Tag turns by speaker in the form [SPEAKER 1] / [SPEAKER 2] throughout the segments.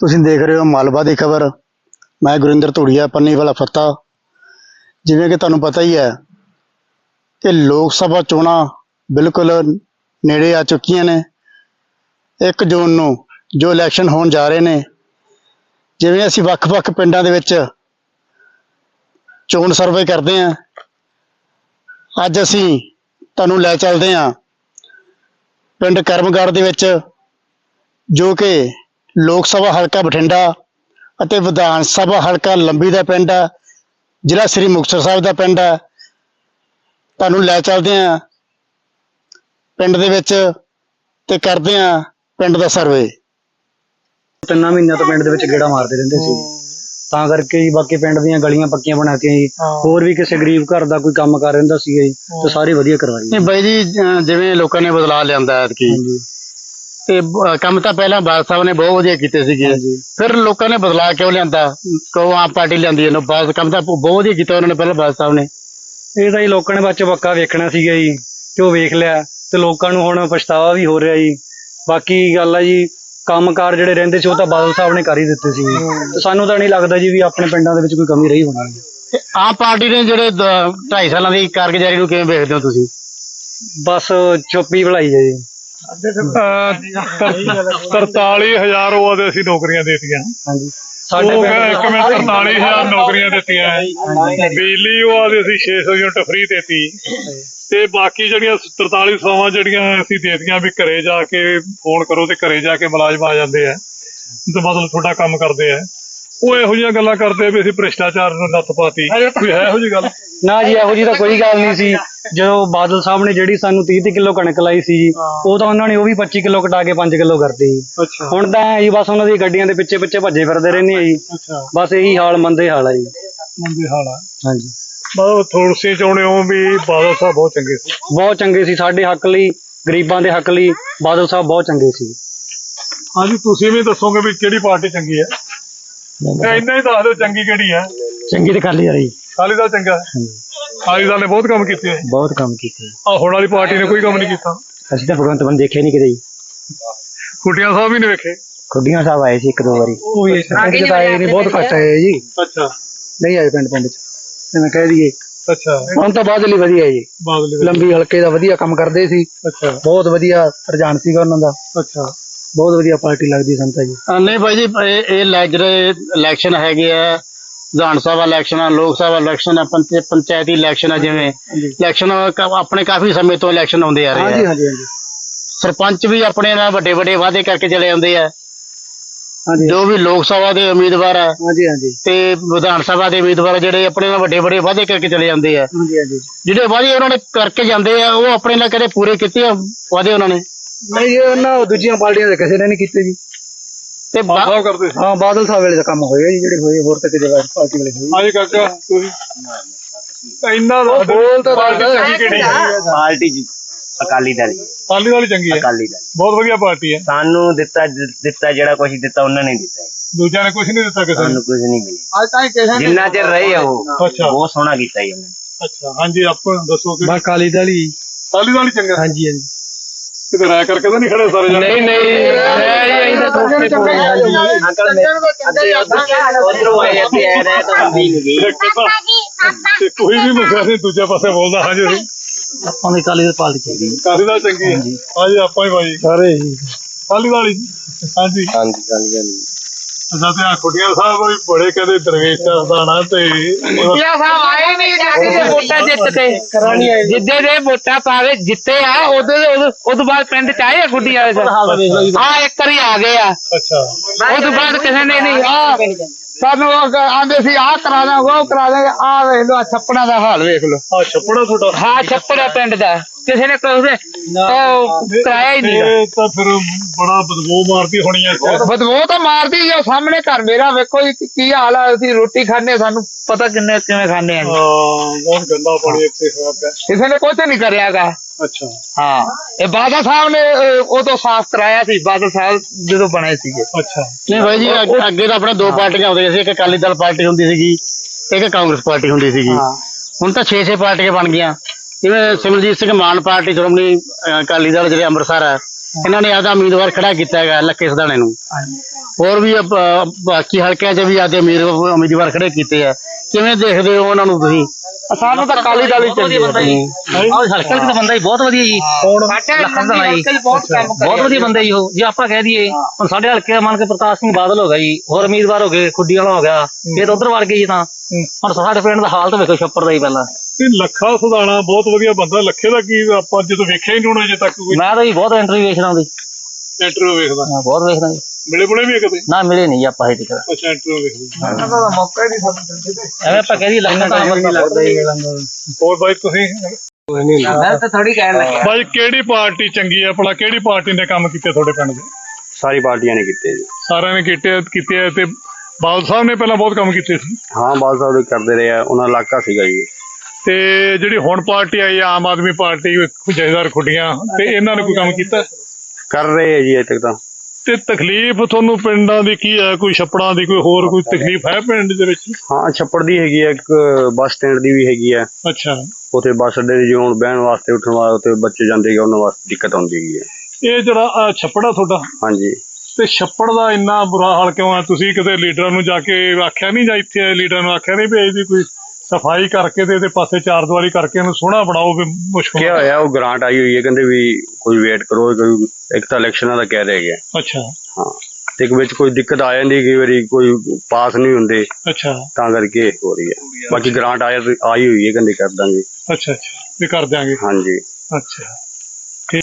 [SPEAKER 1] ਤੁਸੀਂ ਦੇਖ ਰਹੇ ਹੋ ਮਾਲਵਾ ਦੀ ਖਬਰ। ਮੈਂ ਗੁਰਿੰਦਰ ਧੂੜੀਆ, ਪੰਨੀ ਵਾਲਾ ਫੱਤਾ। ਜਿਵੇਂ ਕਿ ਤੁਹਾਨੂੰ ਪਤਾ ਹੀ ਹੈ ਕਿ ਲੋਕ ਸਭਾ ਚੋਣਾਂ ਬਿਲਕੁਲ ਨੇੜੇ ਆ ਚੁੱਕੀਆਂ ਨੇ। 1 ਜੂਨ ਨੂੰ ਜੋ ਇਲੈਕਸ਼ਨ ਹੋਣ ਜਾ ਰਹੇ ਨੇ, ਜਿਵੇਂ ਅਸੀਂ ਵੱਖ-ਵੱਖ ਪਿੰਡਾਂ ਦੇ ਵਿੱਚ ਚੋਣ ਸਰਵੇ ਕਰਦੇ ਹਾਂ, ਅੱਜ ਅਸੀਂ ਤੁਹਾਨੂੰ ਲੈ ਚੱਲਦੇ ਹਾਂ ਪਿੰਡ ਕਰਮਗੜ੍ਹ ਦੇ ਵਿੱਚ, ਜੋ ਕਿ ਲੋਕ ਸਭਾ ਹਲਕਾ ਬਠਿੰਡਾ ਅਤੇ ਵਿਧਾਨ ਸਭਾ ਹਲਕਾ ਲੰਬੀ ਦਾ ਪਿੰਡ ਹੈ, ਜ਼ਿਲ੍ਹਾ ਸ੍ਰੀ ਮੁਕਤਸਰ ਸਾਹਿਬ ਦਾ ਪਿੰਡ ਹੈ। ਤੁਹਾਨੂੰ ਲੈ ਚੱਲਦੇ ਹਾਂ ਪਿੰਡ ਦੇ ਵਿੱਚ ਤੇ ਕਰਦੇ ਹਾਂ ਪਿੰਡ ਦਾ ਸਰਵੇ।
[SPEAKER 2] 3 ਮਹੀਨਿਆਂ ਤੋਂ ਪਿੰਡ ਦੇ ਵਿੱਚ ਗੇੜਾ ਮਾਰਦੇ ਰਹਿੰਦੇ ਸੀ, ਤਾਂ ਕਰਕੇ ਜੀ ਬਾਕੀ ਪਿੰਡ ਦੀਆਂ ਗਲੀਆਂ ਪੱਕੀਆਂ ਬਣਾਤੀਆਂ ਜੀ। ਹੋਰ ਵੀ ਕਿਸੇ ਗਰੀਬ ਘਰ ਦਾ ਕੋਈ ਕੰਮ ਕਰ ਰਹਿੰਦਾ ਸੀਗਾ ਜੀ, ਤੇ ਸਾਰੇ ਵਧੀਆ ਕਰਵਾਈ।
[SPEAKER 1] ਨਹੀਂ ਬਾਈ ਜੀ, ਜਿਵੇਂ ਲੋਕਾਂ ਨੇ ਬਦਲਾਅ ਲਿਆਂਦਾ ਐਤਕੀ, ਤੇ ਕੰਮ ਤਾਂ ਪਹਿਲਾਂ ਬਾਦਲ ਸਾਹਿਬ ਨੇ ਬਹੁਤ ਵਧੀਆ ਕੀਤੇ ਸੀਗੇ, ਫਿਰ ਲੋਕਾਂ ਨੇ ਬਦਲਾਅ ਕਿਉਂ ਲਿਆਂਦਾ? ਕਿਉਂ ਆਮ ਪਾਰਟੀ ਲਿਆਂਦੀ ਇਹਨੂੰ? ਬਾਦਲ ਕੰਮ ਤਾਂ ਬਹੁਤ ਵਧੀਆ ਕੀਤਾ ਉਹਨਾਂ ਨੇ ਪਹਿਲਾਂ ਬਾਦਲ ਸਾਹਿਬ ਨੇ।
[SPEAKER 2] ਇਹ ਤਾਂ ਜੀ ਲੋਕਾਂ ਨੇ ਬੱਚ ਪੱਕਾ ਵੇਖਣਾ ਸੀਗਾ ਜੀ, ਤੇ ਉਹ ਵੇਖ ਲਿਆ, ਤੇ ਲੋਕਾਂ ਨੂੰ ਹੁਣ ਪਛਤਾਵਾ ਵੀ ਹੋ ਰਿਹਾ ਜੀ। ਬਾਕੀ ਗੱਲ ਆ ਜੀ, ਕੰਮਕਾਰ ਜਿਹੜੇ ਰਹਿੰਦੇ ਸੀ ਉਹ ਤਾਂ ਬਾਦਲ ਸਾਹਿਬ ਨੇ ਕਰ ਹੀ ਦਿੱਤੇ ਸੀ, ਤੇ ਸਾਨੂੰ ਤਾਂ ਨਹੀਂ ਲੱਗਦਾ ਜੀ ਵੀ ਆਪਣੇ ਪਿੰਡਾਂ ਦੇ ਵਿੱਚ ਕੋਈ ਕਮੀ ਰਹੀ ਹੋਣੀ।
[SPEAKER 1] ਤੇ ਆਮ ਪਾਰਟੀ ਨੇ ਜਿਹੜੇ 2.5 ਸਾਲਾਂ ਦੀ ਕਾਰਗੁਜ਼ਾਰੀ ਨੂੰ ਕਿਵੇਂ ਵੇਖਦੇ ਹੋ ਤੁਸੀਂ?
[SPEAKER 2] ਬਸ ਚੁੱਪੀ ਭਲਾਈ ਹੈ ਜੀ।
[SPEAKER 3] 43,000 ਉਹ ਆਦੇ ਅਸੀਂ ਨੌਕਰੀਆਂ ਦੇਤੀਆਂ।
[SPEAKER 2] ਹਾਂਜੀ,
[SPEAKER 3] ਸਾਡੇ 43,000 ਨੌਕਰੀਆਂ ਦਿੱਤੀਆਂ। ਬਿਜਲੀ ਉਹ ਆਦੇ ਅਸੀਂ 600 ਯੂਨਿਟ ਫ੍ਰੀ ਦੇਤੀ, ਤੇ ਬਾਕੀ ਜਿਹੜੀਆਂ 43 ਸੇਵਾਵਾਂ ਜਿਹੜੀਆਂ ਅਸੀਂ ਦੇਤੀਆਂ ਵੀ ਘਰੇ ਜਾ ਕੇ ਫੋਨ ਕਰੋ ਤੇ ਘਰੇ ਜਾ ਕੇ ਮੁਲਾਜ਼ਮ ਆ ਜਾਂਦੇ ਆ, ਤੇ ਮਤਲਬ ਤੁਹਾਡਾ ਕੰਮ ਕਰਦੇ ਆ। ਉਹ ਇਹੋ ਜਿਹੀਆਂ ਗੱਲਾਂ ਕਰਦੇ ਵੀ ਅਸੀਂ ਭ੍ਰਿਸ਼ਟਾਚਾਰ ਨੂੰ ਨੱਥ ਪਾਤੀ, ਕੋਈ ਹੈ ਇਹੋ ਜਿਹੀ ਗੱਲ?
[SPEAKER 2] ਨਾ ਜੀ, ਇਹੋ ਜਿਹੀ ਤਾਂ ਕੋਈ ਗੱਲ ਨਹੀਂ ਸੀ। ਜਦੋਂ ਬਾਦਲ ਸਾਹਿਬ ਨੇ ਜਿਹੜੀ ਸਾਨੂੰ 30 ਕਿਲੋ ਕਣਕ ਲਾਈ ਸੀ ਜੀ, ਉਹ ਤਾਂ ਉਹਨਾਂ ਨੇ ਉਹ ਵੀ 25 ਕਿਲੋ ਕਟਾ ਕੇ 5 ਕਿਲੋ ਕਰਤੀ ਜੀ। ਹੁਣ ਤਾਂ ਜੀ ਬਸ ਉਹਨਾਂ ਦੀ ਗੱਡੀਆਂ ਦੇ ਪਿੱਛੇ ਭੱਜੇ ਫਿਰਦੇ ਰਹਿੰਦੇ ਆ ਜੀ। ਬਸ ਇਹੀ ਹਾਲ, ਮੰਦੇ ਹਾਲ ਆ ਜੀ।
[SPEAKER 3] ਮੰਦੇ ਹਾਲ ਆ।
[SPEAKER 2] ਹਾਂਜੀ,
[SPEAKER 3] ਮਤਲਬ ਥੋੜ੍ਹੀ ਚਾਹੁੰਦੇ ਹੋ ਵੀ ਬਾਦਲ ਸਾਹਿਬ ਬਹੁਤ ਚੰਗੇ ਸੀ?
[SPEAKER 2] ਬਹੁਤ ਚੰਗੇ ਸੀ, ਸਾਡੇ ਹੱਕ ਲਈ, ਗਰੀਬਾਂ ਦੇ ਹੱਕ ਲਈ ਬਾਦਲ ਸਾਹਿਬ ਬਹੁਤ ਚੰਗੇ ਸੀ।
[SPEAKER 3] ਹਾਂਜੀ, ਤੁਸੀਂ ਵੀ ਦੱਸੋਗੇ ਵੀ ਕਿਹੜੀ ਪਾਰਟੀ ਚੰਗੀ ਹੈ? ਇੰਨਾ ਹੀ ਦੱਸ ਦਿਓ ਚੰਗੀ ਕਿਹੜੀ ਹੈ।
[SPEAKER 2] ਚੰਗੀ ਤੇ ਖਾਲੀ ਆ ਰਹੀ।
[SPEAKER 3] ਅਕਾਲੀ ਦਲ ਚੰਗਾ ਹੈ? ਅਕਾਲੀ ਦਲ ਨੇ ਬਹੁਤ ਕੰਮ ਕੀਤੇ,
[SPEAKER 2] ਬਹੁਤ ਕੰਮ ਕੀਤੇ।
[SPEAKER 3] ਹੁਣ ਵਾਲੀ ਪਾਰਟੀ ਨੇ ਕੋਈ ਕੰਮ ਨਹੀਂ ਕੀਤਾ।
[SPEAKER 2] ਅਸੀਂ ਤਾਂ ਭਗਵੰਤ ਮਾਨ ਦੇਖੇ ਨਹੀਂ ਕਿਤੇ ਜੀ।
[SPEAKER 3] ਖੁੱਟੀਆਂ ਸਾਹਿਬ ਵੀ ਨਹੀਂ ਵੇਖੇ?
[SPEAKER 2] ਖੁੱਡੀਆਂ ਸਾਹਿਬ ਆਏ ਸੀ 1-2 ਵਾਰੀ, ਉਹ ਵੀ ਆਏ ਨਹੀਂ, ਬਹੁਤ ਘੱਟ ਆਏ ਜੀ।
[SPEAKER 3] ਅੱਛਾ,
[SPEAKER 2] ਨਹੀਂ ਆਏ ਪਿੰਡ ਚ, ਜਿਵੇਂ ਕਹਿ ਦਈਏ।
[SPEAKER 3] ਅੱਛਾ,
[SPEAKER 2] ਹੁਣ ਤਾਂ ਬਾਦਲ ਹੀ ਵਧੀਆ ਜੀ, ਲੰਬੀ ਹਲਕੇ ਦਾ ਵਧੀਆ ਕੰਮ ਕਰਦੇ ਸੀ।
[SPEAKER 3] ਅੱਛਾ,
[SPEAKER 2] ਬਹੁਤ ਵਧੀਆ ਰੁਝਾਨ ਸੀਗਾ ਉਹਨਾਂ ਦਾ।
[SPEAKER 3] ਅੱਛਾ,
[SPEAKER 2] ਬਹੁਤ ਵਧੀਆ ਪਾਰਟੀ ਲੱਗਦੀ ਸੰਤਾ ਜੀ।
[SPEAKER 1] ਨਹੀਂ ਬਾਈ ਜੀ, ਇਹ ਜਿਹੜੇ ਇਲੈਕਸ਼ਨ ਹੈਗੇ ਆ, ਵਿਧਾਨ ਸਭਾ ਇਲੈਕਸ਼ਨ ਆ, ਲੋਕ ਸਭਾ ਇਲੈਕਸ਼ਨ ਆ, ਪੰਚਾਇਤੀ ਇਲੈਕਸ਼ਨ ਆ, ਜਿਵੇਂ ਇਲੈਕਸ਼ਨ ਆਪਣੇ ਕਾਫੀ ਸਮੇਂ ਤੋਂ ਇਲੈਕਸ਼ਨ ਆਉਂਦੇ ਆ ਰਹੇ ਆ। ਸਰਪੰਚ ਵੀ ਆਪਣੇ ਨਾਲ ਵੱਡੇ ਵੱਡੇ ਵਾਅਦੇ ਕਰਕੇ ਚਲੇ ਜਾਂਦੇ ਆ, ਜੋ ਵੀ ਲੋਕ ਸਭਾ ਦੇ ਉਮੀਦਵਾਰ ਆ ਤੇ ਵਿਧਾਨ ਸਭਾ ਦੇ ਉਮੀਦਵਾਰ ਜਿਹੜੇ ਆਪਣੇ ਨਾਲ ਵੱਡੇ ਵੱਡੇ ਵਾਅਦੇ ਕਰਕੇ ਚਲੇ ਜਾਂਦੇ ਆ। ਜਿਹੜੇ ਵਾਅਦੇ ਉਹਨਾਂ ਨੇ ਕਰਕੇ ਜਾਂਦੇ ਆ, ਉਹ ਆਪਣੇ ਨਾਲ ਕਦੇ ਪੂਰੇ ਕੀਤੇ ਆ ਵਾਅਦੇ ਉਹਨਾਂ ਨੇ?
[SPEAKER 2] ਨਹੀਂ, ਉਹਨਾਂ ਦੂਜੀਆਂ ਪਾਰਟੀਆਂ ਦੇ ਕਿਸੇ ਨੇ ਨਹੀਂ ਕੀਤੇ ਜੀ।
[SPEAKER 1] ਤੇ
[SPEAKER 3] ਕਰਦੇ
[SPEAKER 2] ਹਾਂ, ਬਾਦਲ ਸਾਹਿਬ ਵੇਲੇ ਦਾ ਕੰਮ ਹੋਇਆ ਜੀ, ਜਿਹੜੇ ਹੋਏ। ਹੋਰ ਤਾਂ ਕਿਸੇ ਪਾਰਟੀ ਵੇਲੇ ਹੋਏ।
[SPEAKER 3] ਹਾਂਜੀ ਕਾਕਾ, ਤੁਸੀਂ ਇੰਨਾ
[SPEAKER 2] ਬੋਲ ਤਾਂ
[SPEAKER 4] ਪਾਰਟੀ ਜੀ ਅਕਾਲੀ ਦਲ।
[SPEAKER 3] ਅਕਾਲੀ ਦਲ ਚੰਗੀ ਹੈ?
[SPEAKER 4] ਅਕਾਲੀ ਦਲ
[SPEAKER 3] ਬਹੁਤ ਵਧੀਆ ਪਾਰਟੀ ਹੈ।
[SPEAKER 4] ਸਾਨੂੰ ਦਿੱਤਾ ਜਿਹੜਾ ਕੁਛ ਦਿੱਤਾ ਉਹਨਾਂ ਨੇ ਦਿੱਤਾ ਹੈ,
[SPEAKER 3] ਦੂਜਿਆਂ ਨੇ ਕੁਝ ਨਹੀਂ ਦਿੱਤਾ ਕਿਸੇ ਨੂੰ?
[SPEAKER 4] ਸਾਨੂੰ ਕੁਝ ਨਹੀਂ ਮਿਲਿਆ ਜਿੰਨਾ ਚਿਰ ਰਹੇ ਆ ਉਹ।
[SPEAKER 3] ਅੱਛਾ,
[SPEAKER 4] ਬਹੁਤ ਸੋਹਣਾ ਕੀਤਾ ਜੀ ਉਹਨੇ।
[SPEAKER 3] ਅੱਛਾ, ਹਾਂਜੀ, ਆਪਾਂ ਦੱਸੋ ਕਿ
[SPEAKER 2] ਅਕਾਲੀ ਦਲ ਹੀ।
[SPEAKER 3] ਅਕਾਲੀ ਦਲ ਹੀ ਚੰਗਾ?
[SPEAKER 2] ਹਾਂਜੀ ਹਾਂਜੀ।
[SPEAKER 3] ਕਿਤੇ ਰਾਇ ਕਰਕੇ ਤਾਂ ਨਹੀਂ ਖੜੇ ਸਾਰੇ ਜਣੇ?
[SPEAKER 2] ਨਹੀਂ ਨਹੀਂ,
[SPEAKER 3] ਕੋਈ ਵੀ ਮਸਲਾ ਨਹੀਂ ਦੂਜੇ ਪਾਸੇ ਬੋਲਦਾ। ਹਾਂਜੀ,
[SPEAKER 2] ਆਪਾਂ ਨੂੰ ਅਕਾਲੀ ਦਲ ਪਾਰਟੀ ਚਾਹੀਦੀ।
[SPEAKER 3] ਅਕਾਲੀ ਦਲ ਚੰਗੀ ਹੈ? ਹਾਂਜੀ, ਆਪਾਂ ਹੀ ਭਾਈ
[SPEAKER 2] ਸਾਰੇ
[SPEAKER 3] ਅਕਾਲੀ ਦਲ ਹੀ। ਹਾਂਜੀ
[SPEAKER 4] ਹਾਂਜੀ, ਅਕਾਲੀ ਦਲ।
[SPEAKER 3] ਅੱਛਾ, ਤੇ ਖੁੱਡੀਆਂ ਸਾਹਿਬ ਵੀ ਬੜੇ ਕਹਿੰਦੇ ਦਰਵੇਸ਼ ਦਾਣਾ ਤੇ
[SPEAKER 5] ਸਾਹਿਬ ਆਏ ਨਹੀਂ ਵੋਟਾਂ ਜਿੱਤਦੇ, ਜਿੱਦੇ ਦੇ ਵੋਟਾਂ ਪਾਵੇ ਜਿੱਤੇ ਆ, ਉਹ ਤੋਂ ਬਾਅਦ ਪਿੰਡ ਚ ਆਏ ਗੁੱਡੀ ਵਾਲੇ ਸਾਹਿਬ ਆ, ਇੱਕ ਵਾਰੀ ਆ ਗਏ ਆ।
[SPEAKER 3] ਅੱਛਾ,
[SPEAKER 5] ਉਹ ਤੋਂ ਬਾਅਦ ਕਿਸੇ ਨੇ ਨਹੀਂ। ਆ ਸਾਨੂੰ ਆਂਦੇ ਸੀ ਆਹ ਕਰਾ ਦਾਂ, ਉਹ ਕਰਾ ਦਾਂਗੇ। ਆ ਵੇਖ ਲੋ, ਛੱਪੜਾਂ ਦਾ ਹਾਲ ਵੇਖ ਲੋ।
[SPEAKER 3] ਆ ਛੱਪੜਾ ਤੁਹਾਡਾ?
[SPEAKER 5] ਹਾਂ, ਛੱਪੜਾ ਪਿੰਡ ਦਾ ਕਿਸੇ ਨੇ ਕਰਾਇਆ ਹੀ ਨਹੀਂ।
[SPEAKER 3] ਇਹ ਤਾਂ ਫਿਰ ਬੜਾ ਬਦਬੂ ਮਾਰਦੀ ਹੋਣੀ ਹੈ।
[SPEAKER 5] ਬਦਬੂ ਤਾਂ ਮਾਰਦੀ ਆ। ਸਾਹਮਣੇ ਘਰ ਮੇਰਾ ਵੇਖੋ ਕੀ ਹਾਲ ਆ। ਅਸੀਂ ਰੋਟੀ ਖਾਂਦੇ, ਸਾਨੂੰ ਪਤਾ ਕਿਵੇਂ ਖਾਂਦੇ ਆ।
[SPEAKER 3] ਬਹੁਤ ਗੰਦਾ ਪਾਣੀ ਇੱਥੇ ਹੋਇਆ ਪਿਆ।
[SPEAKER 5] ਕਿਸੇ ਨੇ ਕੁਝ ਨਹੀਂ ਕਰਿਆਗਾ।
[SPEAKER 3] ਅੱਛਾ,
[SPEAKER 5] ਹਾਂ, ਇਹ ਬਾਦਲ ਸਾਹਿਬ ਨੇ ਉਦੋਂ ਸਾਫ਼ ਕਰਾਇਆ ਸੀ, ਬਾਦਲ ਸਾਹਿਬ ਜਦੋਂ ਬਣੇ ਸੀਗੇ।
[SPEAKER 3] ਅੱਛਾ,
[SPEAKER 1] ਨਹੀਂ ਬਾਈ ਜੀ, ਅੱਗੇ ਤਾਂ ਆਪਣੇ 2 ਪਾਰਟੀਆਂ ਹੁੰਦੀਆਂ ਸੀ, ਇੱਕ ਅਕਾਲੀ ਦਲ ਪਾਰਟੀ ਹੁੰਦੀ ਸੀਗੀ, ਇੱਕ ਕਾਂਗਰਸ ਪਾਰਟੀ ਹੁੰਦੀ ਸੀਗੀ। ਹੁਣ ਤਾਂ 6 ਪਾਰਟੀਆਂ ਬਣ ਗਈਆਂ। ਜਿਵੇਂ ਸਿਮਰਜੀਤ ਸਿੰਘ ਮਾਨ ਪਾਰਟੀ, ਸ਼੍ਰੋਮਣੀ ਅਕਾਲੀ ਦਲ ਜਿਹੜੇ ਅੰਮ੍ਰਿਤਸਰ ਹੈ, ਇਹਨਾਂ ਨੇ ਆਪਦਾ ਉਮੀਦਵਾਰ ਖੜਾ ਕੀਤਾ ਹੈਗਾ ਲੱਕੇ ਸਦਾਣੇ ਨੂੰ। ਹੋਰ ਵੀ ਬਾਕੀ ਹਲਕਿਆਂ 'ਚ ਵੀ ਆਦੇ ਉਮੀਦਵਾਰ ਖੜੇ ਕੀਤੇ ਆ, ਕਿਵੇਂ ਦੇਖਦੇ ਹੋ ਉਹਨਾਂ ਨੂੰ ਤੁਸੀਂ?
[SPEAKER 5] ਸਾਨੂੰ ਤਾਂ ਕਾਲੀ ਦਾਲੀ ਚੰਗੀ
[SPEAKER 2] ਬੰਦਾ ਜੀ ਹਲਕਾ ਤਾਂ ਬੰਦਾ ਹੀ ਬਹੁਤ ਵਧੀਆ ਜੀ, ਬਹੁਤ ਵਧੀਆ ਬੰਦਾ ਜੀ ਉਹ। ਜੇ ਆਪਾਂ ਕਹਿ ਦਈਏ ਹੁਣ ਸਾਡੇ ਹਲਕੇ ਮੰਨ ਕੇ ਪ੍ਰਕਾਸ਼ ਸਿੰਘ ਬਾਦਲ ਹੋ ਗਿਆ ਜੀ, ਹੋਰ ਉਮੀਦਵਾਰ ਹੋ ਗਏ ਖੁੱਡੀ ਵਾਲਾ ਹੋ ਗਿਆ, ਫਿਰ ਉਧਰ ਵੜ ਗਏ ਜੀ। ਤਾਂ ਹੁਣ ਸਾਡੇ ਪਿੰਡ ਦਾ ਹਾਲ ਤਾਂ ਵੇਖੋ ਛੱਪੜ ਦਾ ਹੀ ਪਹਿਲਾਂ।
[SPEAKER 3] ਲੱਖਾ ਸੁਧਾਣਾ ਬਹੁਤ ਵਧੀਆ ਬੰਦਾ, ਲੱਖੇ ਦਾ ਕੀ ਆਪਾਂ ਜਦੋਂ ਵੇਖਿਆ ਹੀ ਨਹੀਂ ਹੋਣਾ ਅਜੇ ਤੱਕ ਕੋਈ।
[SPEAKER 2] ਮੈਂ ਤਾਂ ਜੀ ਬਹੁਤ ਇੰਟਰਵਿਊ ਵੇਖਦਾ ਉਹਦੀ,
[SPEAKER 3] ਇੰਟਰਵਿਊ ਵੇਖਦਾ
[SPEAKER 2] ਬਹੁਤ ਵੇਖਦਾ ਜੀ।
[SPEAKER 3] ਮਿਲੇ ਬੁਲੇ ਵੀ ਕਦੇ?
[SPEAKER 2] ਨਾ ਮਿਲੇ ਨਹੀਂ ਜੀ ਆਪਾਂ ਹਜੇ ਤੱਕ।
[SPEAKER 3] ਅੱਛਾ ਇੰਟਰਵਿਊ ਵੇਖਦੇ।
[SPEAKER 2] ਐਵੇਂ ਆਪਾਂ ਕਹਿ ਦਈਏ ਲੱਗਦਾ ਤਾਂ
[SPEAKER 3] ਹੋਰ ਬਾਈ ਤੁਸੀਂ
[SPEAKER 5] ਮੈਂ ਤਾਂ ਥੋੜੀ ਕਹਿਣ ਲੱਗਿਆ।
[SPEAKER 3] ਬਾਈ ਕਿਹੜੀ ਪਾਰਟੀ ਚੰਗੀ ਹੈ ਭਲਾ, ਕਿਹੜੀ ਪਾਰਟੀ ਨੇ ਕੰਮ ਕੀਤੇ ਤੁਹਾਡੇ ਪਿੰਡ ਦੇ?
[SPEAKER 4] ਸਾਰੀ ਪਾਰਟੀਆਂ ਨੇ ਕੀਤੇ ਜੀ।
[SPEAKER 3] ਸਾਰਿਆਂ ਨੇ ਕੀਤੇ ਆ। ਤੇ ਬਾਦਲ ਸਾਹਿਬ ਨੇ ਪਹਿਲਾਂ ਬਹੁਤ ਕੰਮ ਕੀਤੇ ਸੀ।
[SPEAKER 4] ਹਾਂ ਬਾਦਲ ਸਾਹਿਬ ਕਰਦੇ ਰਹੇ ਆ, ਉਹਨਾਂ ਦਾ ਇਲਾਕਾ ਸੀਗਾ ਜੀ।
[SPEAKER 3] ਤੇ ਜਿਹੜੀ ਹੁਣ ਪਾਰਟੀ ਆਈ ਆ ਆਮ ਆਦਮੀ ਪਾਰਟੀ, ਜਥੇਦਾਰ ਖੁੱਡੀਆਂ, ਤੇ ਇਹਨਾਂ ਨੇ ਕੋਈ ਕੰਮ ਕੀਤਾ?
[SPEAKER 4] ਕਰ ਰਹੇ ਆ ਜੀ ਅਜੇ ਤੱਕ ਤਾਂ।
[SPEAKER 3] ਤੇ ਤਕਲੀਫ ਤੁਹਾਨੂੰ ਪਿੰਡਾਂ ਦੀ ਕੀ ਹੈ? ਕੋਈ ਛੱਪੜਾਂ ਦੀ, ਕੋਈ ਹੋਰ ਕੋਈ ਤਕਲੀਫ ਹੈ ਪਿੰਡ ਦੇ ਵਿੱਚ?
[SPEAKER 4] ਹਾਂ ਛੱਪੜ ਦੀ ਹੈਗੀ ਆ, ਇੱਕ ਬੱਸ ਸਟੈਂਡ ਦੀ ਵੀ ਹੈਗੀ ਆ।
[SPEAKER 3] ਅੱਛਾ,
[SPEAKER 4] ਉੱਥੇ ਬੱਸ ਅੱਡੇ ਦੀ ਜਿਵੇਂ ਬਹਿਣ ਵਾਸਤੇ ਉੱਠਣ ਵਾਸਤੇ ਬੱਚੇ ਜਾਂਦੇ ਗੇ, ਉਹਨਾਂ ਵਾਸਤੇ ਦਿੱਕਤ ਆਉਂਦੀ ਹੈਗੀ ਹੈ।
[SPEAKER 3] ਇਹ ਜਿਹੜਾ ਛੱਪੜ ਆ ਤੁਹਾਡਾ,
[SPEAKER 4] ਹਾਂਜੀ।
[SPEAKER 3] ਤੇ ਛੱਪੜ ਦਾ ਇੰਨਾ ਬੁਰਾ ਹਾਲ ਕਿਉਂ ਆ? ਤੁਸੀਂ ਕਿਤੇ ਲੀਡਰਾਂ ਨੂੰ ਜਾ ਕੇ ਆਖਿਆ ਨਹੀਂ, ਜਾਂ ਇੱਥੇ ਲੀਡਰਾਂ ਨੂੰ ਆਖਿਆ ਨਹੀਂ ਵੀ ਇਹਦੀ ਕੋਈ ਸਫਾਈ ਕਰਕੇ ਤੇ ਇਹਦੇ ਪਾਸੇ ਚਾਰ ਦੀਵਾਰੀ ਕਰਕੇ ਇਹਨੂੰ ਸੋਹਣਾ ਬਣਾਓ? ਵੀ ਮੁਸ਼ਕਲ
[SPEAKER 4] ਕੀ ਹੋਇਆ, ਉਹ ਗ੍ਰਾਂਟ ਆਈ ਹੋਈ ਹੈ, ਕਹਿੰਦੇ ਵੀ ਕੋਈ ਵੇਟ ਕਰੋ, ਕੋਈ ਇੱਕ ਤਾਂ ਇਲੈਕਸ਼ਨਾਂ ਦਾ ਕਹਿ ਰਹੇ ਹੈਗੇ।
[SPEAKER 3] ਅੱਛਾ।
[SPEAKER 4] ਹਾਂ ਤੇ ਇੱਕ ਵਿੱਚ ਕੋਈ ਦਿੱਕਤ ਆ ਜਾਂਦੀ, ਕਈ ਵਾਰੀ ਕੋਈ ਪਾਸ ਨਹੀਂ ਹੁੰਦੇ,
[SPEAKER 3] ਅੱਛਾ,
[SPEAKER 4] ਤਾਂ ਕਰਕੇ ਹੋ ਰਹੀ ਹੈ। ਬਾਕੀ ਗ੍ਰਾਂਟ ਆਈ ਹੋਈ ਹੈ, ਕਹਿੰਦੇ ਕਰ ਦਾਂਗੇ।
[SPEAKER 3] ਅੱਛਾ ਵੀ ਕਰ ਦਿਆਂਗੇ।
[SPEAKER 4] ਹਾਂਜੀ।
[SPEAKER 3] ਅੱਛਾ ਠੀਕ।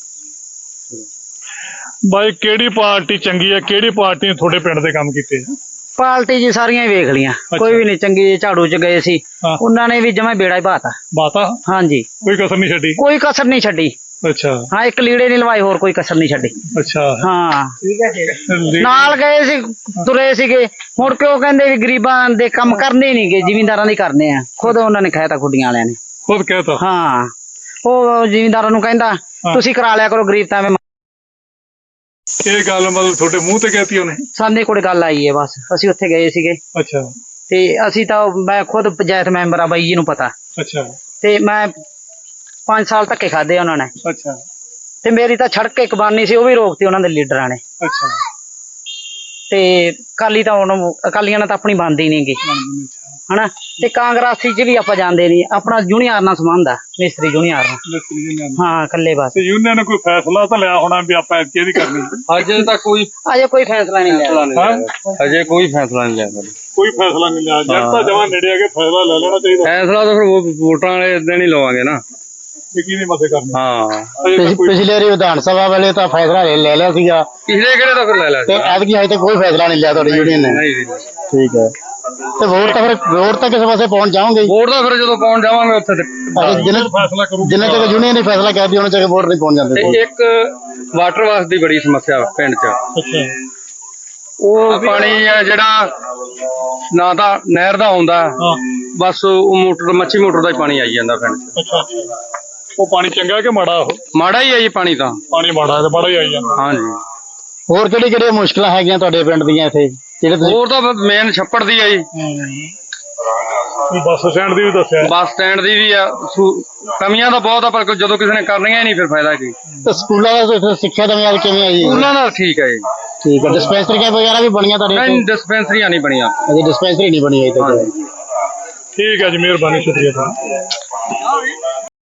[SPEAKER 3] ਬਾਈ ਕਿਹੜੀ ਪਾਰਟੀ ਚੰਗੀ ਹੈ, ਕਿਹੜੀ ਪਾਰਟੀ ਨੇ ਤੁਹਾਡੇ ਪਿੰਡ ਦੇ ਕੰਮ ਕੀਤੇ?
[SPEAKER 2] ਪਾਰਟੀ ਜੀ ਸਾਰੀਆਂ ਹੀ ਵੇਖ ਲੀਆਂ, ਕੋਈ ਵੀ ਨਹੀਂ ਚੰਗੀ। ਝਾੜੂ ਚ ਗਏ ਸੀ, ਉਹਨਾਂ ਨੇ ਵੀ ਜਮਾ ਬੇੜਾ ਹੀ ਬਾਤਾ।
[SPEAKER 3] ਬਾਤਾ?
[SPEAKER 2] ਹਾਂਜੀ,
[SPEAKER 3] ਕੋਈ ਕਸਰ ਨਹੀਂ ਛੱਡੀ?
[SPEAKER 2] ਕੋਈ ਕਸਰ ਨਹੀਂ ਛੱਡੀ।
[SPEAKER 3] ਅੱਛਾ।
[SPEAKER 2] ਹਾਂ ਇੱਕ ਲੀੜੇ ਨਹੀਂ ਲਵਾਏ, ਹੋਰ ਕੋਈ ਕਸਰ ਨਹੀਂ ਛੱਡੀ।
[SPEAKER 3] ਅੱਛਾ
[SPEAKER 2] ਹਾਂ
[SPEAKER 5] ਠੀਕ ਹੈ।
[SPEAKER 2] ਨਾਲ ਗਏ ਸੀ, ਤੁਰੇ ਸੀਗੇ, ਮੁੜ ਕੇ ਉਹ ਕਹਿੰਦੇ ਵੀ ਗਰੀਬਾਂ ਦੇ ਕੰਮ ਕਰਨੇ ਨਹੀਂ ਗੇ, ਜ਼ਿਮੀਂਦਾਰਾਂ ਦੇ ਕਰਨੇ ਆ। ਖੁਦ ਉਹਨਾਂ ਨੇ ਕਹਿਤਾ, ਖੁੱਡੀਆਂ ਵਾਲਿਆਂ ਨੇ
[SPEAKER 3] ਖੁਦ ਕਹਿਤਾ?
[SPEAKER 2] ਹਾਂ, ਉਹ ਜ਼ਿਮੀਂਦਾਰਾਂ ਨੂੰ ਕਹਿੰਦਾ ਤੁਸੀਂ ਕਰਾ ਲਿਆ ਕਰੋ, ਗਰੀਬ ਤਾਂ ਐਵੇਂ।
[SPEAKER 3] ਇਹ ਗੱਲ ਮਤਲਬ ਤੁਹਾਡੇ ਮੂੰਹ ਤੇ ਕਹਿਤੀ ਉਹਨੇ?
[SPEAKER 2] ਸਾਡੇ ਕੋਲ ਗੱਲ ਆਈ ਹੈ ਬਸ, ਅਸੀਂ ਉੱਥੇ ਗਏ ਸੀਗੇ।
[SPEAKER 3] ਅੱਛਾ।
[SPEAKER 2] ਤੇ ਅਸੀਂ ਤਾਂ, ਮੈਂ ਖੁਦ ਪੰਚਾਇਤ ਮੈਂਬਰ ਆ, ਬਾਈ ਜੀ ਨੂੰ ਪਤਾ।
[SPEAKER 3] ਅੱਛਾ।
[SPEAKER 2] ਤੇ ਮੈਂ 5 ਸਾਲ ਧੱਕੇ ਖਾਦੇ ਉਹਨਾਂ ਨੇ।
[SPEAKER 3] ਅੱਛਾ।
[SPEAKER 2] ਤੇ ਮੇਰੀ ਤਾਂ ਸੜਕ ਇੱਕ ਬਾਨੀ ਸੀ, ਉਹ ਵੀ ਰੋਕਤੀ ਉਹਨਾਂ ਦੇ ਲੀਡਰਾਂ ਨੇ।
[SPEAKER 3] ਅੱਛਾ।
[SPEAKER 2] ਤੇ ਅਕਾਲੀ ਤਾਂ ਹੁਣ, ਅਕਾਲੀਆਂ ਨਾਲ ਤਾਂ ਆਪਣੀ ਬਣਦੀ ਨੀ ਗੀ ਹਨਾ। ਤੇ ਕਾਂਗਰਸੀ ਚ ਵੀ ਆਪਾਂ ਜਾਂਦੇ ਨਹੀਂ, ਆਪਣਾ ਜੂਨੀਅਰ ਨਾਲ ਸੰਬੰਧ ਆ, ਮਿਸਤਰੀ ਜੂਨੀਅਰ ਨਾਲ। ਹਾਂ ਇਕੱਲੇ ਬਸ।
[SPEAKER 3] ਤੇ ਯੂਨੀਅਨ ਨੇ ਕੋਈ ਫੈਸਲਾ ਤਾਂ ਲਿਆ ਹੋਣਾ ਵੀ ਆਪਾਂ ਕਿਹਦੀ ਕਰਨੀ?
[SPEAKER 2] ਅਜੇ ਕੋਈ ਫੈਸਲਾ ਨਹੀਂ ਲਿਆ।
[SPEAKER 6] ਅਜੇ ਕੋਈ ਫੈਸਲਾ ਨਹੀਂ ਲਿਆ ਸਰ।
[SPEAKER 3] ਕੋਈ ਫੈਸਲਾ ਨਹੀਂ ਲਿਆ? ਜਦ ਤਾਂ ਜਮਾਂ ਨੇੜੇ ਆ ਕੇ ਫੈਸਲਾ ਲੈ ਲੈਣਾ ਚਾਹੀਦਾ।
[SPEAKER 6] ਫੈਸਲਾ ਤਾਂ ਫਿਰ ਵੋਟਾਂ ਵਾਲੇ ਦਿਨ ਹੀ ਲਵਾਂਗੇ ਨਾ।
[SPEAKER 3] ਕਿਹਨੇ ਮਸੇ ਕਰਨੀ?
[SPEAKER 6] ਹਾਂ
[SPEAKER 1] ਪਿਛਲੇ ਵਾਰੀ ਵਿਧਾਨ ਸਭਾ ਵੇਲੇ ਤਾਂ ਫੈਸਲਾ ਲੈ ਲਿਆ ਸੀਗਾ,
[SPEAKER 6] ਪਿਛਲੇ ਕਿਹੜੇ ਤਾਂ ਫਿਰ ਲੈ ਲਿਆ
[SPEAKER 1] ਤੇ ਐਤਕੀ ਹਜੇ ਤੱਕ ਕੋਈ ਫੈਸਲਾ ਨਹੀਂ ਲਿਆ ਤੁਹਾਡੀ ਯੂਨੀਅਨ ਨੇ। ਠੀਕ ਹੈ। ਤੇ ਵੋਟ ਤਾਂ ਕਿਸੇ ਪਾਸੇ ਪਹੁੰਚ ਜਾਓਗੇ?
[SPEAKER 6] ਵੋਟ ਦਾ ਫਿਰ ਜਦੋਂ ਪਾਉਣ ਜਾਵਾਂਗੇ ਉੱਥੇ
[SPEAKER 3] ਫੈਸਲਾ ਕਰੂਗਾ।
[SPEAKER 1] ਜਿੰਨੇ ਤੱਕ ਯੂਨੀਅਨ ਨੇ ਫੈਸਲਾ ਕਰ ਦਿਆ, ਉਹਨਾਂ ਤੱਕ ਵੋਟ ਨਹੀਂ ਪਹੁੰਚ ਜਾਂਦੇ।
[SPEAKER 6] ਤੇ ਇੱਕ ਵਾਟਰ ਵਾਸ ਦੀ ਬੜੀ ਸਮੱਸਿਆ ਪਿੰਡ 'ਚ।
[SPEAKER 3] ਅੱਛਾ।
[SPEAKER 6] ਉਹ ਪਾਣੀ ਆ ਜਿਹੜਾ ਨਾ ਤਾਂ ਨਹਿਰ ਦਾ ਆਉਂਦਾ, ਬਸ ਉਹ ਮੋਟਰ, ਮੱਛੀ ਮੋਟਰ ਦਾ ਹੀ ਪਾਣੀ ਆਈ ਜਾਂਦਾ ਪਿੰਡ 'ਚ।
[SPEAKER 3] ਅੱਛਾ। ਉਹ ਪਾਣੀ ਚੰਗਾ ਕਿ ਮਾੜਾ? ਉਹ
[SPEAKER 6] ਮਾੜਾ ਹੀ ਆ ਜੀ ਪਾਣੀ ਤਾਂ।
[SPEAKER 3] ਪਾਣੀ ਮਾੜਾ ਤੇ ਮਾੜਾ ਹੀ ਆਈ ਜਾਂਦਾ।
[SPEAKER 6] ਹਾਂਜੀ।
[SPEAKER 1] ਹੋਰ ਕਿਹੜੀਆਂ ਮੁਸ਼ਕਲਾਂ ਹੈਗੀਆਂ ਤੁਹਾਡੇ ਪਿੰਡ ਦੀਆਂ ਇੱਥੇ ਜਿਹੜੇ ਤੁਸੀਂ?
[SPEAKER 6] ਹੋਰ ਤਾਂ ਮੇਨ ਛੱਪੜ ਦੀ ਆ ਜੀ,
[SPEAKER 3] ਬੱਸ ਸਟੈਂਡ ਦੀ ਵੀ ਦੱਸਿਆ।
[SPEAKER 6] ਬੱਸ ਸਟੈਂਡ ਦੀ ਵੀ ਆ। ਕਮੀਆਂ ਤਾਂ ਬਹੁਤ ਆ, ਪਰ ਜਦੋਂ ਕਿਸੇ ਨੇ ਕਰਨੀਆਂ ਹੀ ਨਹੀਂ ਫਿਰ ਫਾਇਦਾ ਕੀ।
[SPEAKER 1] ਤੇ ਸਕੂਲਾਂ ਦਾ ਸਿੱਖਿਆ ਦਾ ਮਿਆਰ ਕਿਵੇਂ ਹੈ ਜੀ?
[SPEAKER 6] ਸਕੂਲਾਂ ਦਾ ਠੀਕ ਹੈ ਜੀ।
[SPEAKER 1] ਠੀਕ ਹੈ। ਡਿਸਪੈਂਸਰੀਆਂ ਵਗੈਰਾ ਵੀ ਬਣੀਆਂ ਤੁਹਾਡੇ?
[SPEAKER 6] ਨਹੀਂ ਡਿਸਪੈਂਸਰੀਆਂ ਨਹੀਂ ਬਣੀਆਂ
[SPEAKER 1] ਅਜੇ ਡਿਸਪੈਂਸਰੀ ਨਹੀਂ ਬਣੀ ਅਜੇ ਤੱਕ।
[SPEAKER 3] ਠੀਕ ਹੈ ਜੀ, ਮਿਹਰਬਾਨੀ, ਸ਼ੁਕਰੀਆ।